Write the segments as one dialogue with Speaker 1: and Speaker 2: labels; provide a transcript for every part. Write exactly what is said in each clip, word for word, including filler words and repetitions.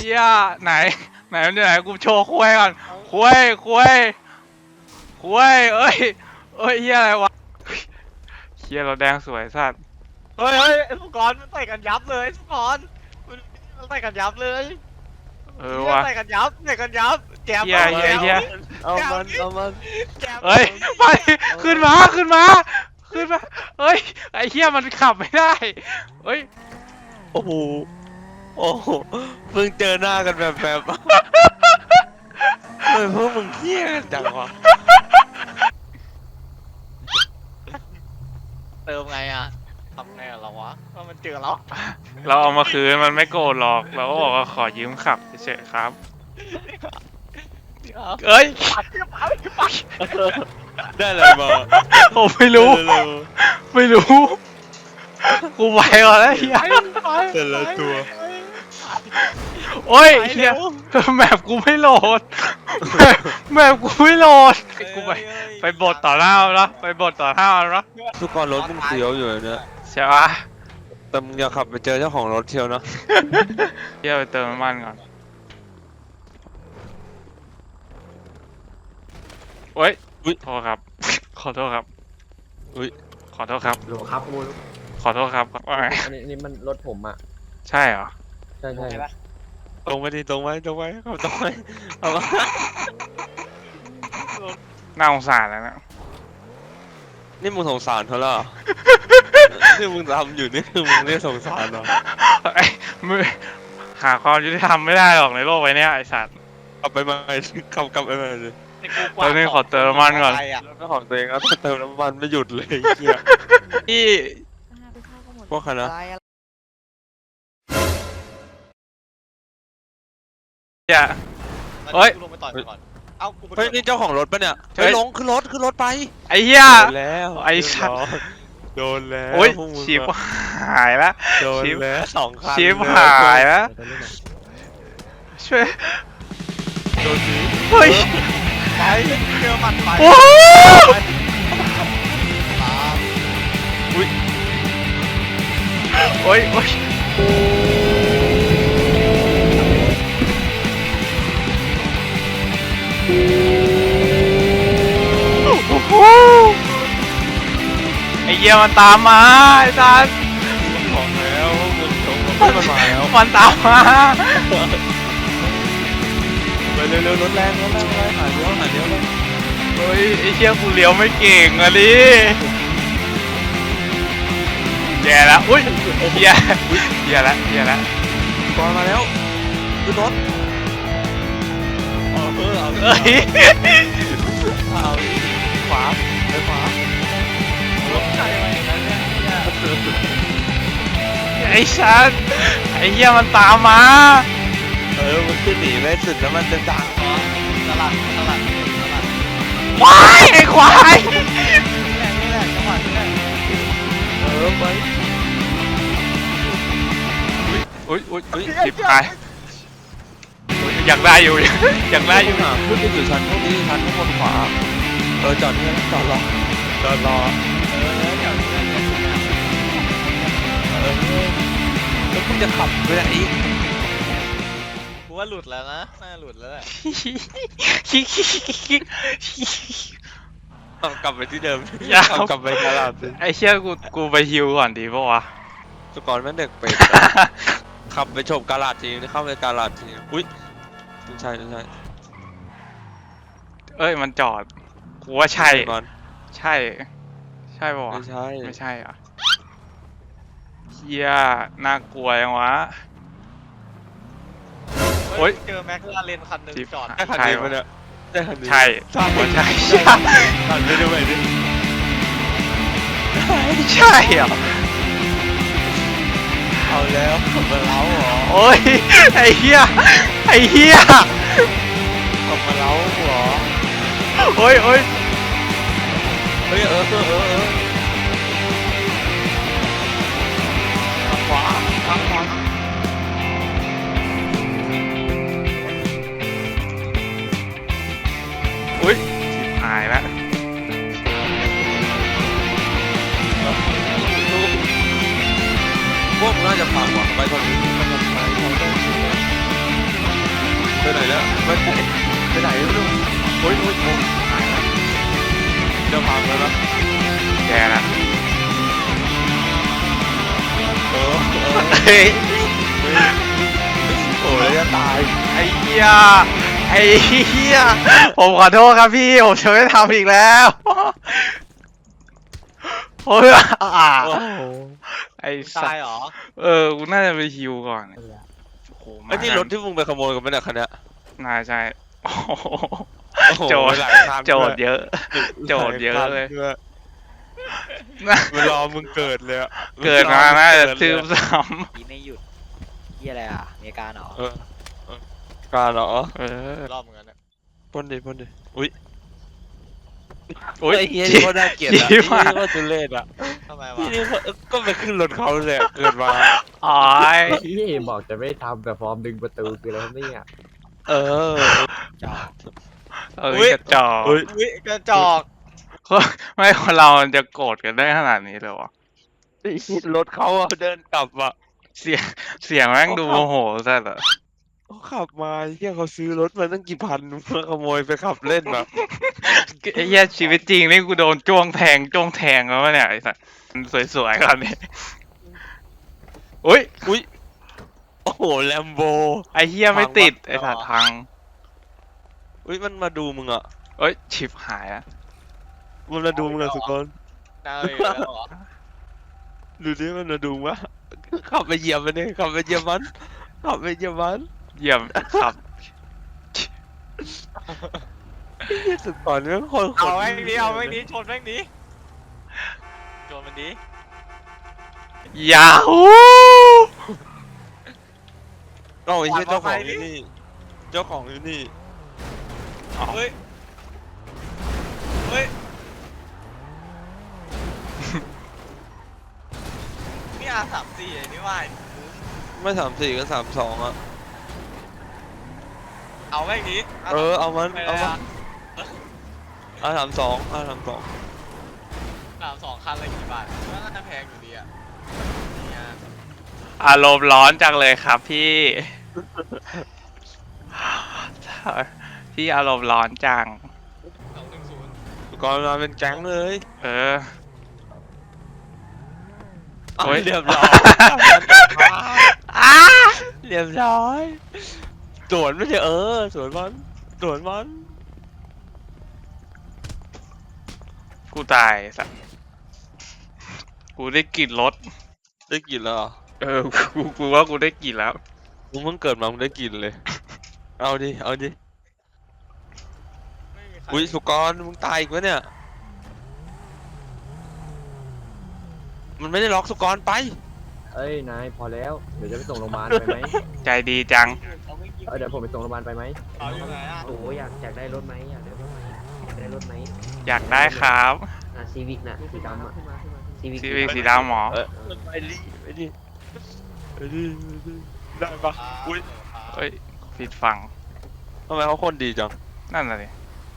Speaker 1: เหี้ยไหนไหนไหนกูโชว์คุยก่อนคุยคุยคุยเอ้ยเอ้ยเหี้ยอะไรวะเหี้ยเราแดงสวยสัตว์
Speaker 2: เฮ้ยเฮ้ยสุกรมันใส่กันยับเลยสุกรมันใส่กันยับเลย
Speaker 1: เออวะ
Speaker 2: ใส่กันยับใส่กันยับแจม
Speaker 1: เหี้ยเหี้ยเหี้ย
Speaker 3: เอามันเอามัน
Speaker 1: เฮ้ยไปขึ้นมาขึ้นมาขึ้นมาเฮ้ยไอ้เหี้ยมันขับไม่ได้เฮ้ย
Speaker 3: โอ้โหโอ้โหเพิ่งเจอหน้ากันแบบแบบเฮ้ยพวกมึงเที่ยกันจังวะ
Speaker 2: เติมไงอ่ะทำไงอะเราวะว่ามันเจอเรา
Speaker 1: เราเอามาคืนมันไม่โกรธหรอกเราก็บอกว่าขอยืมขับเฉยๆครับเอ้ย
Speaker 2: ปัดปัดปัด
Speaker 3: ได้เลยมา
Speaker 1: ผมไม่รู้ไม่รู้กูไปก่อนแล้วเฮีย
Speaker 3: แต่ละตัว
Speaker 1: โอ้ยเฮียแมปกูไม่โหลดแมปกูไม่โหลดกูไปไปบทต่อหน้าแล้วไปบทต่อหน้าแล้ว
Speaker 3: ทุกคนรถมึงเสียวอยู่เนี่ย
Speaker 1: ใช่ปะ
Speaker 3: แต่มึงอย่าขับไปเจอเจ้าของรถเที่ยวนะ
Speaker 1: เฮียไปเติมน้ำมันก่อนโอ้ยโทษครับขอโทษครับอุ้ยขอโทษครับ
Speaker 4: หลวงครับคุณ
Speaker 1: ขอโทษครับว่าไง
Speaker 4: อันนี้นี่มันรถผมอ่ะ
Speaker 1: ใช่เหรอ
Speaker 4: ใช่ใช่
Speaker 3: ตรงไปดิตรงไปตรงไปขับตรงไปเอามา
Speaker 1: น่าสงสารแล้วนะ
Speaker 3: นี่มึงสงสารเขาเหรอที่มึงทำอยู่นี่คือมึงเรียกสงสารเหรอ
Speaker 1: ไอ้มือหาความยุติธรรมไม่ได้หรอกในโลกใบนี้ไอ้สัตว์
Speaker 3: กลับไปใหม่ขับกลับไปใหม่เลย
Speaker 1: ตอนนี้ขอเติมน้ำมันก่อน
Speaker 3: แล้วก็ของตัวเองแล้วเติมน้ำมันไม่หยุดเลยเฮีย
Speaker 1: พี่
Speaker 3: พวกคณะ
Speaker 1: อย่า เฮ้ย
Speaker 2: ลงไปต่อยก่อนเอากู
Speaker 3: เฮ้ยนี่เจ้าของรถปะเนี่ย
Speaker 1: เฮ้
Speaker 3: เฮ้
Speaker 1: ย
Speaker 3: ยลงขึ้นรถขึ้นรถไป
Speaker 1: ไอ้เหี้ย
Speaker 3: โดนแล้ว
Speaker 1: ไอ้สัตว์
Speaker 3: โดนแล้ว
Speaker 1: โอ้ย
Speaker 3: พวกมึง
Speaker 1: ชิบหายแล้ว
Speaker 3: โดน
Speaker 1: ชิบ
Speaker 3: แล้วสองคัน
Speaker 1: ชิบ
Speaker 3: เลย
Speaker 1: หายแล้วช่วย
Speaker 3: โดนสิ
Speaker 1: เฮ้ย
Speaker 2: ไปเจอมันไป
Speaker 1: โอ้โห
Speaker 2: ตาม
Speaker 1: โอ้ยโอ้ยโอ้โหไอ้เหี้ยมันตามมาไอ้สัส
Speaker 3: บอกแล้วมึงตรงรถมันมาแล้ว
Speaker 1: มันตามมา
Speaker 3: ไปเร็วๆรถแรงรถแรงเลยหาเลี้ยวหาเลี้ยวเลย
Speaker 1: เฮ้ยไอ้เชี่ยกูเลี้ยวไม่เก่งอะดิแย่แล้วอุ้ยแย่แย่แล้วแย่แล้ว
Speaker 3: ก่อนมาแล้วขึ้นรถเออเออเอา
Speaker 1: เอ้ย
Speaker 3: เอาขวาไปขวาร
Speaker 2: ถใครมาอย่างนั้นเนี่ย
Speaker 1: ไอ้ชันไอ้เหี้ยมันตามมา
Speaker 3: เออมันขึ้นหนีไม่สุดแล้วมันจะด่า
Speaker 2: อ๋อตลาดตลาดตลาด
Speaker 1: ควายไอ้ควาย
Speaker 2: นี่แหละนี่แหละจังหวะนี้แหละ
Speaker 3: เออไป
Speaker 1: อุ้ยอุ้ยอุ้ยจิบหายอุ๊ยอยากได้อยู่อยากได้อยู่
Speaker 3: หาขึ้นไปสู่ชั้นพวกนี้ชั้นข้างบนขวาเออจอดนี่จอดรอจอดรอ
Speaker 2: เออเดี๋ยวนี้เนี่ย
Speaker 3: เออแล้วมึงจะขับไปไหนอีก
Speaker 2: กูว่าหลุดแล้วนะน่าหลุดแล้วแหละ
Speaker 3: เอากลับไปที่เดิม
Speaker 1: อย่า
Speaker 3: เอากลับไปตลาดสิ
Speaker 1: ไอ้เชี่ยกูกูไปฮิวก่อนดีปะวะ
Speaker 3: สกอร์แม่งเด็กเป็ดขับไปชมกาลาดทีนี่เข้าไปกาลาดทีอุ้ยไม่ใช่ไม่ใช่
Speaker 1: เอ้ยมันจอดกูว่าใช่
Speaker 3: ก่อน
Speaker 1: ใช่ใช่ปะวะ
Speaker 3: ไม่ใช่
Speaker 1: ไม่ใช่อ่ะเฮียน่ากลัวยังวะ โอ๊ย
Speaker 2: เจอแม็กลาเรนคันหนึ่ง
Speaker 1: จิ๊บ
Speaker 2: จอด
Speaker 3: ใช่คันนี้ปะเนี่ยใช่คันนี้
Speaker 1: ใช่
Speaker 3: ใช่
Speaker 1: ใช่
Speaker 3: ใช่คันนี้ด้วยดิ
Speaker 1: ใช่เหรอ
Speaker 3: เอาแล้วขับมาเล้าเหรอ
Speaker 1: โอ้ยไอ้เฮียไอ้เฮีย
Speaker 3: ขับมาเล้าเหรอ
Speaker 1: โอ้ยโอ้ย
Speaker 3: เฮ้ยเออเออเออเออทางขวาทางขวา
Speaker 1: อุ้ยชิบหายแล้ว
Speaker 3: พวกมึงน่าจะพังว่ะไปก่อนนี้ไปก่อนไปก่อนโอ้ยโอ้ยโอ้ยเดี๋ยวพังแล้วนะ
Speaker 1: แกนะ
Speaker 3: เออเออ
Speaker 1: เฮ้ย
Speaker 3: โอ้ยจะตาย
Speaker 1: ไอ้เหี้ยไอ้เหี้ยผมขอโทษครับพี่ผมจะไม่ทำอีกแล้วโอ้ยอ่า
Speaker 3: โอ้โห
Speaker 1: ไอ้สั
Speaker 2: ตา
Speaker 1: ต
Speaker 2: ย
Speaker 1: ว์
Speaker 2: เหรอ
Speaker 1: เออกูน่าจะไปฮิวก่อนโอ้โห
Speaker 3: ไอ้นี่รถที่มึงไปขโมยกันไหมเนี่ยคันเนี้ย
Speaker 1: น่าใช่โอ้โห
Speaker 3: โอ้โห
Speaker 1: โจทย์
Speaker 3: หลายคัน
Speaker 1: โจทย์เยอะ โจทย์เยอะเลย
Speaker 3: หาคันด้วยเวลามึงเกิดเลยอะ
Speaker 1: เกิดมาน่าจะ
Speaker 3: เกิดเลย
Speaker 1: ซื้อซ้
Speaker 4: ยี่ไม่หยุดยี่อะไรอ่ะมีอาการเหรอ
Speaker 3: เออเออการเหรอ
Speaker 1: ำเออ
Speaker 2: รอบเหมือนกันเนี่ย
Speaker 3: พ่นดิพ่นดิอุ้ย
Speaker 1: โอ้ย
Speaker 3: ไอ้เฮียนี่ก็น่าเกลียดอะ
Speaker 1: ชี้
Speaker 3: ไอ้
Speaker 1: มา
Speaker 3: เฮียนี่ก็ทุเรศอะ
Speaker 2: ทำไมวะ
Speaker 3: พี่นี่ก็ก็ไปขึ้นรถเขาเลยอะเกิดมา
Speaker 1: อ๋อย
Speaker 5: พี่บอกจะไม่ทำแต่ฟอร์มดึงประตูคืออะไรครับเนี่ย
Speaker 3: เออ
Speaker 4: จอด
Speaker 1: เออกระจอก
Speaker 3: เฮ้ย
Speaker 2: อุ้ยกระจอก
Speaker 1: ไม่คนเรามันจะโกรธกันได้ขนาดนี้เลยวะ
Speaker 3: ไอ้เหี้ยรถเขาอะเดินกลับอะ
Speaker 1: เสียงเสียงแม่งดูโมโหสัสอะ
Speaker 3: เขาขับมาเฮียเขาซื้อรถมาตั้งกี่พันเพื่อขโมยไปขับเล่นอะ
Speaker 1: ไอ้เหี้ยชีวิตจริงนี่กูโดนจ้วงแทงจ้วงแทงแล้ววะเนี่ยไอ้สัสสวยๆก่อนนี่อุ้ย
Speaker 3: อุ้ยโอ้โหแลมโบ
Speaker 1: ไอ้เหี้ยไม่ติดไอ้สัตว์พัง
Speaker 3: อุ้ยมันมาดูมึงอะ
Speaker 1: เอ้ยชิบหายอะ
Speaker 3: มันมาดูมึงอะสุกคน
Speaker 2: นายอยู่แล้วเหรอ
Speaker 3: ดูดิมันมาดูวะขับไปเหยียบมันเนี่ยขับไปเหยียบมันขับไปเหยียบมัน
Speaker 1: เยี่ยมครับ
Speaker 3: เหี้ยสุดก่อนเนี่ยคน
Speaker 2: เอาแม่งนี้เอาแม่งนี้ชนแม่งนี้ชนมันนี้
Speaker 1: ยาฮู
Speaker 3: เอาไอ้เหี้ยเจ้าของอยู่นี่เจ้าของอยู่นี่
Speaker 2: เฮ้ยเฮ้ยนี่อาสามสี่ไอ้นี่ว่า
Speaker 3: ไม่สามสี่ก็สามสองอะ
Speaker 2: เอาแม่งนี้
Speaker 3: เออเอามัน
Speaker 2: ไปเล
Speaker 3: เอา
Speaker 2: ย
Speaker 3: มัน
Speaker 2: อะ
Speaker 3: อ่ะสามสองอ่ะสามสอง
Speaker 2: สามสองคันละกี่บาทก็น่าจะแพงอยู่ดีอ่ะเนี่ย
Speaker 1: อารมณ์ร้อนจังเลยครับพี่ พี่อารมณ์ร้อนจัง
Speaker 2: สองหนึ่งศูนย์
Speaker 3: ก่อนมาเป็นแก๊งเลย
Speaker 1: เออ
Speaker 3: เอา
Speaker 1: โอ้ย
Speaker 3: เรียบร้อย
Speaker 1: อ้า
Speaker 3: เรียบร้อยสวนไม่ใช่เออสวนมันสวนมัน
Speaker 1: กูตายสัตว์กูได้กลิ่นรถ
Speaker 3: ได้กลิ่นแล้วเหรอ
Speaker 1: เออ กูกูว่ากูได้กลิ่นแล้ว
Speaker 3: มึงเพิ่งเกิดมามึงได้กลิ่นเลย เอาดิเอาดิ
Speaker 2: ไม่มีใคร
Speaker 3: อุ้ยสุกรมึงตายอีกวะเนี่ย มันไม่ได้ล็อกสุกรไป
Speaker 5: เอ้ยนายพอแล้วเดี๋ยวจะไปส่งโรงพยาบาลไปไหม
Speaker 1: ใจดีจัง
Speaker 2: เขาไม่กิน
Speaker 5: เออเดี๋ยวผมไปส่งโรงพยาบาลไปไหม
Speaker 2: เขาอยู่ไหนอ่ะ
Speaker 5: โอ้อยากอยากได้รถไหมอยากได้รถไหมอยากได้รถไหม
Speaker 1: อยากได้ครับ
Speaker 5: อ่ะซีวิกน่ะสีดำอ่ะซีวิก
Speaker 1: ซีวีสีดำหมอ
Speaker 3: เออไปดิไปดิไปดิไปดิได้ปะอุ้ย
Speaker 1: เอ้ยผิดฝั่ง
Speaker 3: ทำไมเขาคนดีจัง
Speaker 1: นั่นน่ะดิ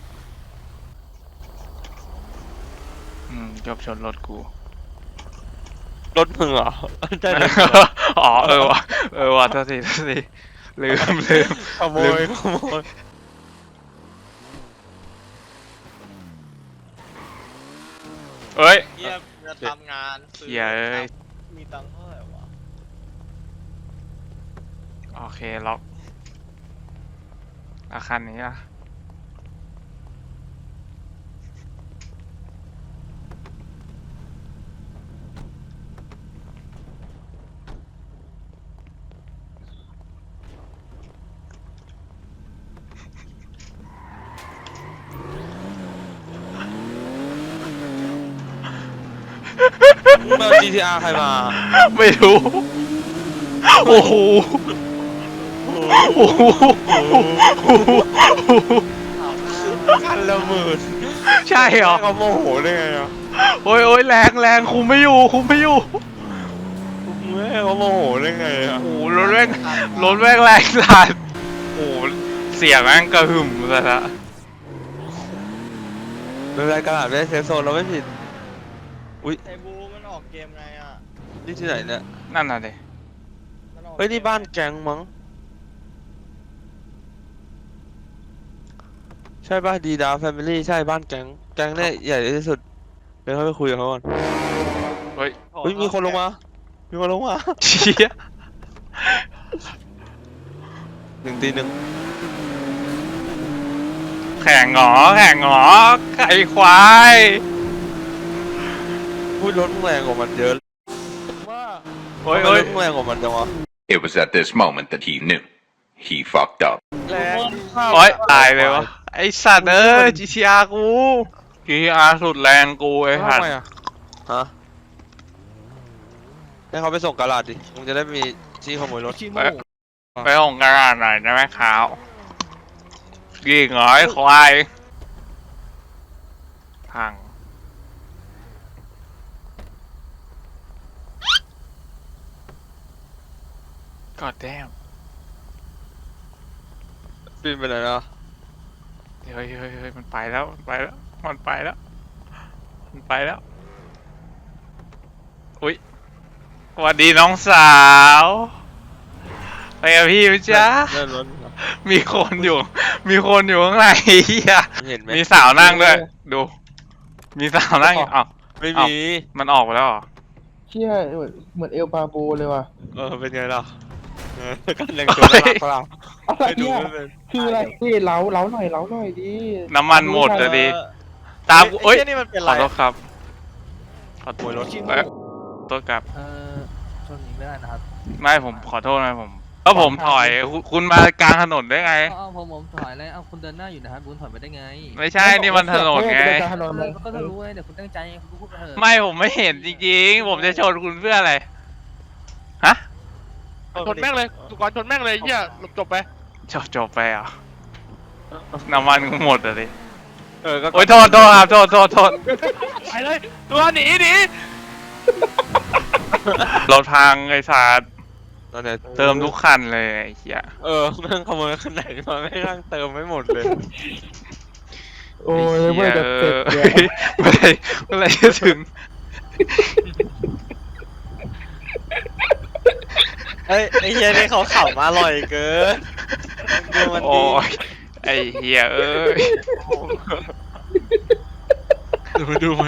Speaker 1: อืมจบชนรถกู
Speaker 3: รถมึงเหรอใช่รถ
Speaker 1: อ๋อเออว่ะเออว่ะโทษทีโทษทีลืมลืม
Speaker 3: ขโมยขโมย
Speaker 1: เอ้ย
Speaker 2: เฮียจะทำงานซื้อ
Speaker 1: เหี้ยเอ้ย
Speaker 2: มีตังค์เท่าไหร่วะ
Speaker 1: โอเคล็อกอาคันนี้ล่ะ
Speaker 3: มึงเอา จี ที อาร์ ใครมา
Speaker 1: ไม่รู้ โอ้โห โอ้โห
Speaker 3: คันละหมื่น
Speaker 1: ใช่เหรอ
Speaker 3: เขาโมโหได้ไงอ่ะ
Speaker 1: โอ้ยโอ้ยแรงแรงคุมไม่อยู่ คุมไม่อยู่
Speaker 3: แม่เขาโมโหได้ไงอ่ะ
Speaker 1: โอ้โหรถแม่งรถแม่งแรงสัสโอ้โหเสียงแม่งกระหึ่มซะละ
Speaker 3: เป็นไรกระดาษไม่ได้เซฟโซนเราไม่ผิด อุ้ย
Speaker 2: ไอ้บูมันออกเกมไงอ่ะ
Speaker 3: นี่ที่ไหนเนี่ย
Speaker 1: นั่นน่ะดิ
Speaker 2: มันออก
Speaker 3: เฮ้ยนี่บ้านแก๊งมั้ง ใช่ช่ป่ะดีดาแฟมิลี่ใช่บ้านแก๊งแก๊งเนี่ยใหญ่ที่สุดเดี๋ยวเขาไปคุยกับเขาก่อน
Speaker 1: เฮ้ย
Speaker 3: เฮ้ยมีคนลงมา มีคนลงมา
Speaker 1: เชี่ย
Speaker 3: หนึ่งตีหนึ่ง
Speaker 1: แข่งหงอแข่งหงอไข่ควาย
Speaker 3: พูดรถมึงแรงกว่ามันเยอะว่า
Speaker 1: โอ้ย
Speaker 3: ทำไม
Speaker 1: โอ้
Speaker 3: ร
Speaker 1: ย
Speaker 3: ถมึงแรงกว่ามันจังวะ
Speaker 6: It was at this moment that he knew. He fucked up.
Speaker 3: แรง
Speaker 1: โอ้ยตายเลยวะไอสัตว์เอ้ย จี ที อาร์ กู จี ที อาร์ สุดแรงกูไอ้หั
Speaker 3: ทำ
Speaker 1: ด
Speaker 3: ไมอ่ะฮะให้เขาไปส่งกาลาดดิมึงจะได้มีที่ขโมยรถ
Speaker 1: ไปไปห้องกระดาษหน่อยได้ไหมขาวยิงเหรอไอ้ควายพังกอดแดม
Speaker 3: ปีนไปไหนนะ
Speaker 1: เฮ้ยเฮ้ยเฮ้ยมันไปแล้วมันไปแล้วมันไปแล้วมันไปแล้วอุ้ยสวัสดีน้องสาวไปกับพี่ไหมจ๊ะ
Speaker 3: เลื่อนรถเหรอ
Speaker 1: มีคนอยู่ มีคนอยู่ข้างในเหี้ย
Speaker 3: เห็นไหม
Speaker 1: มีสาวนั่งด้วย ดู มีสาวนั่งอยู่อ้าว
Speaker 3: ไม่
Speaker 1: อ้าว
Speaker 3: มี
Speaker 1: มันออกไปแล้วเหรอ
Speaker 7: เชี่ยเหมือนเหมือนเอลปาโบเลยว่ะ
Speaker 3: เออเป็นไงล่ะเออก็แรงตัวน่ารักเปล่า
Speaker 7: อะไร
Speaker 3: ไม่ดู
Speaker 7: เนี่ย
Speaker 3: ไม่เป็น
Speaker 7: คืออะไรพี่เล้าเล้าหน่อยเล้าหน่อยดิ
Speaker 1: น้ำมันหมดเลยดิ ตามกู
Speaker 2: เอ้
Speaker 1: เอ้
Speaker 2: ย
Speaker 1: ย
Speaker 2: ไอ้นี่มันเป็น
Speaker 1: ข
Speaker 2: ไร
Speaker 1: อโทษครับ ขอโท
Speaker 3: โอ้
Speaker 1: ษ
Speaker 3: ยรถ
Speaker 1: เอ้ยขอโทษครับ
Speaker 8: เออชนนี้ไม่ได้นะครับ
Speaker 1: ไม่ผมขอโทษนะผมก็ผมถอยคุณคุณมากลางถนนได้ไง
Speaker 8: เอาผมผมถอยเลยเอาคุณเดินหน้าอยู่นะครับคุณถอยไปได้ไง
Speaker 1: ไม่ใช่ นี่มันถนนไง
Speaker 7: ม่ถนน
Speaker 8: เอ
Speaker 7: เล
Speaker 8: อย ก็จะรู้ไงเดี๋ยวคุณตั้งใจคุณพูดไปเถอะ
Speaker 1: ไม่ผมไม่เห็นจริงๆ ผมจะชนคุณเพื่ออะไร ฮะ
Speaker 2: ชนแม่งเลยสุกรชนแม่งเลยเหี้ยจบไป
Speaker 1: จบจบไปเหรอ่ะน้ำมันกูหมดเลยดิ
Speaker 3: เออก็
Speaker 1: โอ้ยโทษโทษครับโทษโทษโทษ
Speaker 2: ไปเลยตัวหนีหนี
Speaker 1: รถพังไอ้สาด
Speaker 3: ตอนเนี้ย
Speaker 1: เติมทุกคันเลยไอ้เหี้ย
Speaker 3: เออแม่งขโมยขนาดมาไม่งนั่งเติมไม่หมดเลย
Speaker 7: โอ้ยเมื่อจะเสร็จเนี่ย
Speaker 1: เมื่อไหร่เมื่อไหร่จะถึง
Speaker 2: เฮ้ยไอ้เหี้ยนี่เขาเข่ามาอร่อยเกินดูมัน
Speaker 1: โอ้
Speaker 2: ดี
Speaker 1: ยไอ้เหี้ยเอ้ย
Speaker 3: ดูมาดูมา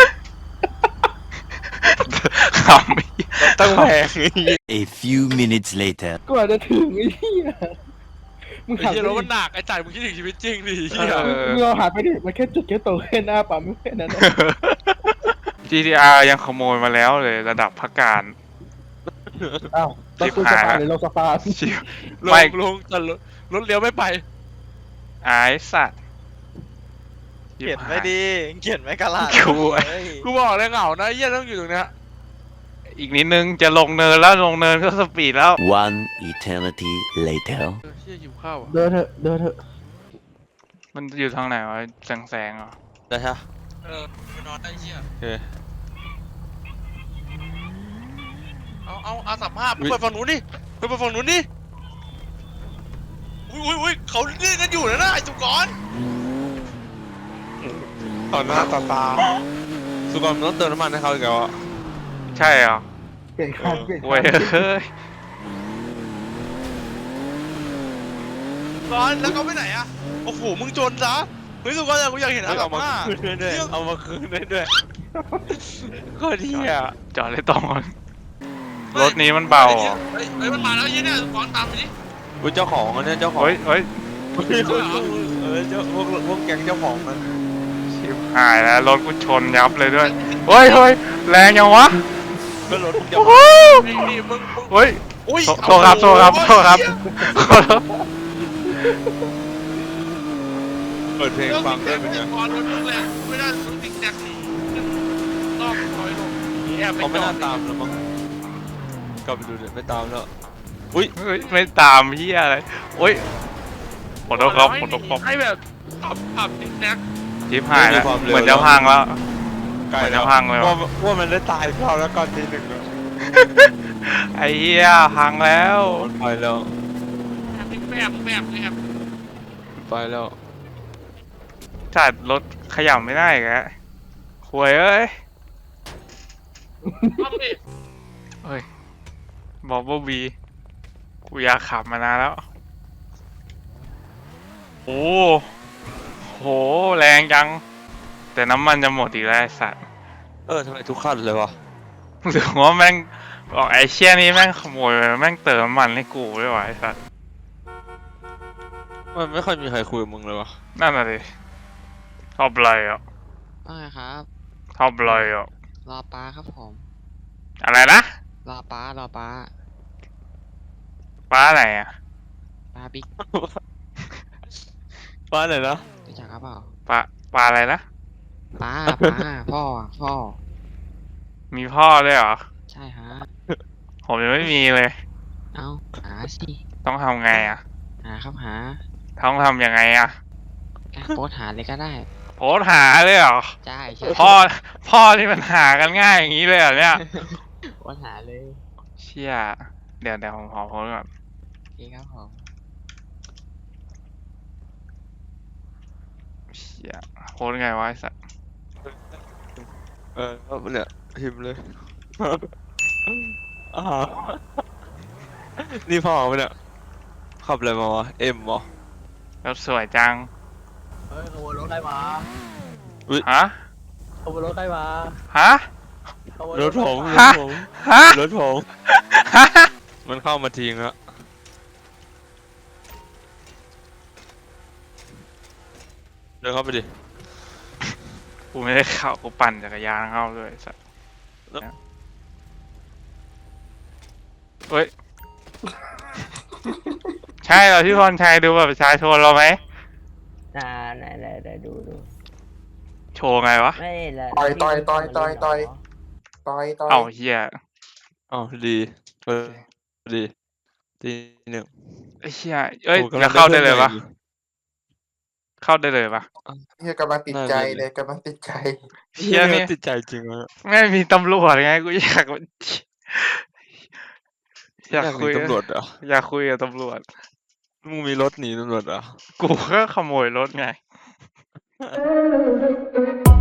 Speaker 1: ขำไอ้เหี้ย
Speaker 3: ตั้งแพง
Speaker 9: A few minutes later.
Speaker 7: กว่าจะถึงไอ้เหี้ยมึง
Speaker 3: ไอ้
Speaker 7: หัน
Speaker 3: เหี้ย
Speaker 7: ไป
Speaker 3: รถ
Speaker 7: ดิ
Speaker 3: มันหนักไอ้จ่ายมึงคิดถึงชีวิตจริงดิเหี้ย
Speaker 1: เออ
Speaker 7: มึงเราหันไปดิมันแค่จุดแค่โตแค่หน้าปั๊มแค่นั้นนะ
Speaker 1: จี ที อาร์ ยังขโมยมาแล้วเลยระดับพักการ
Speaker 7: อ้าวต้องคุยสปาหรือเราสปา
Speaker 1: ชิว
Speaker 3: ล
Speaker 1: ไม่
Speaker 3: งลงแต่รถรถเลี้ยวไม่ไป
Speaker 1: ไอ้สัตว์
Speaker 2: เขียนไม่ดีเขียนไม่กระลาด
Speaker 1: กู
Speaker 2: เฮ้ย
Speaker 3: กูบอกเลยเหงานะไอ้เหี้ยต้องอยู่ตรงเนี้ย
Speaker 1: อีกนิดนึงจะลงเนินแล้วลงเนินก็สปีดแล้ว
Speaker 9: One eternity later.
Speaker 3: เออเหี้ยหิวข้าวอ่ะ
Speaker 7: เดินเถอะเดินเถอะ
Speaker 1: มันอยู่ทางไหนวะแสงแสงๆเหรอ
Speaker 3: ได้ฮะเออไปนอนได้เหี้ยโอเค
Speaker 10: เอาเอาเอาสัมภาษณ์ไปฝั่งนู้นดิไปไปฝั่งนู้นดิอุ้ยอุ้ยอุ้ยเขาเล่นกันอยู่นะนะไอ้สุกร
Speaker 3: ต่อหน้าต่อตาสุกรมึงต้องเติมน้ำมันให้เขาอีกแล้วอ่ะ
Speaker 1: ใช่เหรอ
Speaker 7: เปลี่ยนคันเปลี่ยน
Speaker 1: โว้ย
Speaker 7: คัน
Speaker 1: เฮ้ย
Speaker 10: สุกรแล้วเขาไปไหนอะโอ้โหมึงจนซะเฮ้ยสุกรอยากกูอยากเห็นอา
Speaker 3: เอา
Speaker 10: สัม
Speaker 3: มา
Speaker 10: ภาษณ์
Speaker 3: คืนได้ด้วยเอามาคืนได้ด้วยโคตรเหี้ย
Speaker 1: จอดเลยตรงก่อนรถนี้มันเบาเหรอ
Speaker 10: เฮ้ยเฮ้ยมันมาแล้วยี่เนี่ยสุกรตามไปดิ
Speaker 3: กูเจ้าของอันเนี้ยเจ้าของ
Speaker 1: เฮ้ยเฮ้ย
Speaker 3: เออเจ้าพวกพวกแก๊งเจ้าของมัน
Speaker 1: ชิบหายแล้วรถกูชนยับเลยด้วยเฮ้ยเฮ้ยแรงยังวะ
Speaker 3: ก็รถพวกเจ้า
Speaker 1: โอ้
Speaker 3: ข
Speaker 1: โห
Speaker 3: อง
Speaker 10: นี่นี่มึงมึง
Speaker 1: เฮ้ย
Speaker 10: อุ้ย
Speaker 1: โทโทษครับโทษครับโทษครับขอโทษ
Speaker 3: เปิดเพลง
Speaker 10: เรื่อง
Speaker 3: ฟัง
Speaker 10: ติ๊
Speaker 3: ได้
Speaker 10: ก
Speaker 3: เป็น
Speaker 10: แท็
Speaker 3: ไง
Speaker 10: กสุกรรถมึงแรงไม่ได้รถติ๊กแท็กหนีรอบถอยลงแอบไป
Speaker 3: เขาไม่
Speaker 10: จอ
Speaker 3: น่า
Speaker 10: ด
Speaker 3: ตามแล้วมั้งกลับไปดูเดี๋ยวไม่ตามแล้วอุ้ย
Speaker 1: เฮ้ยไม่ตามพี่อะไรโอ้ยขอโทษครับขอโทษครับ
Speaker 10: ให้แบบขับขับติ๊กแท็ก
Speaker 1: ชิบหายแล้วเหมือนจะพังแล้ว
Speaker 3: ไกล
Speaker 1: มัน
Speaker 3: แล้
Speaker 1: จะ
Speaker 3: ว
Speaker 1: พังเลย
Speaker 3: ว่า
Speaker 1: ว่ะ
Speaker 3: ว่ามันได้ตายรอบแล้วก่อนทีหนึ่งแล้ว
Speaker 1: ไอ้เหี้ยพังแล้ว
Speaker 3: มันไปแล้ว
Speaker 10: แบบแบบแบบ
Speaker 3: ไปแล้ว
Speaker 1: จัดรถขยับไม่ได้แกหวยเอ้ย
Speaker 10: ทำดิ
Speaker 1: เฮ้ยบอกว่าบีกูอยากขับมานานแล้ว โอ้โหโหแรงจัง แต่น้ำมันจะหมดอีกแล้วไอ้สัตว์
Speaker 3: เออทำไมทุกขั้นเลยวะ
Speaker 1: หรือว่าแม่งบอกไอ้เชี่ยนี้แม่งขโมยไปแม่งเติมน้ำมันให้กูไม่ไหวไอ้สัตว์
Speaker 3: มันไม่ค่อยมีใครคุยกับมึงเลยวะ
Speaker 1: นั่นน่ะดิชอบอะไรอ่ะ
Speaker 11: ว่าไงครับ
Speaker 1: ชอบอะไรอ่ะ
Speaker 11: รอป้าครับผม
Speaker 1: อะไรนะ
Speaker 11: รอป้ารอป้า
Speaker 1: ป้าไหนอ่ะ
Speaker 11: ป้าบิ๊ก
Speaker 3: ว่าไหนนะ
Speaker 11: รู้จักครับเปล่า
Speaker 1: ป้าป้าอะไรนะ
Speaker 11: ป้าป้าพ่ออะพ่อ
Speaker 1: มีพ่อด้วยเหรอ
Speaker 11: ใช่ฮะ
Speaker 1: ผมยังไม่มีเลย
Speaker 11: เอาหาสิ
Speaker 1: ต้องทำไงอ่ะ
Speaker 11: หาครับหา
Speaker 1: ต้องทำยังไงอ่ะ
Speaker 11: อ่ะโพสต์หาเลยก็ได้
Speaker 1: โพสต์หาเลยเหรอ
Speaker 11: ใช่ใช่
Speaker 1: พ่อพ่อที่มันหากันง่ายอย่างนี้เลยเหรอเนี่ย
Speaker 11: โพสต์หาเลย
Speaker 1: เชี่ยเดี๋ยวเดี๋ยวผมขอโพสต์ก่อน
Speaker 11: โอเคครับผม
Speaker 1: เชี่ยโพสต์ไงวะไอ้สัส
Speaker 3: เออแล้วเนี่ยพิมพ์เลย อ่านี่พ่อมันเนี่ยขับอะไรมาวะเอ็มเหรอ
Speaker 1: แล้วสวยจัง
Speaker 5: เฮ้ยขโมยรถใครมา
Speaker 1: ฮะ
Speaker 5: ขโมยรถใครมา
Speaker 1: ฮะ
Speaker 5: ขโมย
Speaker 3: รถผมร
Speaker 1: ฮะ
Speaker 3: ถผม
Speaker 1: ฮะ
Speaker 3: รถผม
Speaker 1: ฮะ
Speaker 3: มันเข้ามาทิ้งแล้วเดินเข้าไปดิ
Speaker 1: กูไม่ได้เข้ากูปั่นจักรยานเข้าด้วยไอ้สัส
Speaker 3: แล้ว
Speaker 1: เฮ้ย ใช่เหรอพี่พรชัยดูแบบประชาชนเราไหม
Speaker 5: อ่าไหนไหนไหนดูดู
Speaker 1: โชว์ไงวะ
Speaker 5: ไม่ละ
Speaker 7: ต่อยต่อยต่อยต่อยต่อยต่อยต่อย
Speaker 1: เอ้าเฮีย
Speaker 3: อ๋อดีเออดีทีหนึ่ง
Speaker 1: ไอ้เฮียเอ้ย
Speaker 3: โอ้กำ
Speaker 1: จะ
Speaker 3: ง
Speaker 1: เข้าได้เลย
Speaker 3: พื่
Speaker 1: ปะ
Speaker 3: อนใหม่
Speaker 1: เข้าได้เลยปะ
Speaker 7: เฮียกำลังติดใจเลยกำลังติดใจ
Speaker 1: เฮียนี่
Speaker 3: ติดใจจริงวะ
Speaker 1: ไม่มีตำรวจไงกูอยากอยาก
Speaker 3: อยากห
Speaker 1: คุ
Speaker 3: นี
Speaker 1: ย
Speaker 3: ตำรวจเหรอ
Speaker 1: อยากคุยกับตำรวจ
Speaker 3: มึงมีรถหนีตำรวจเหรอ
Speaker 1: กูก็ขโมยรถไง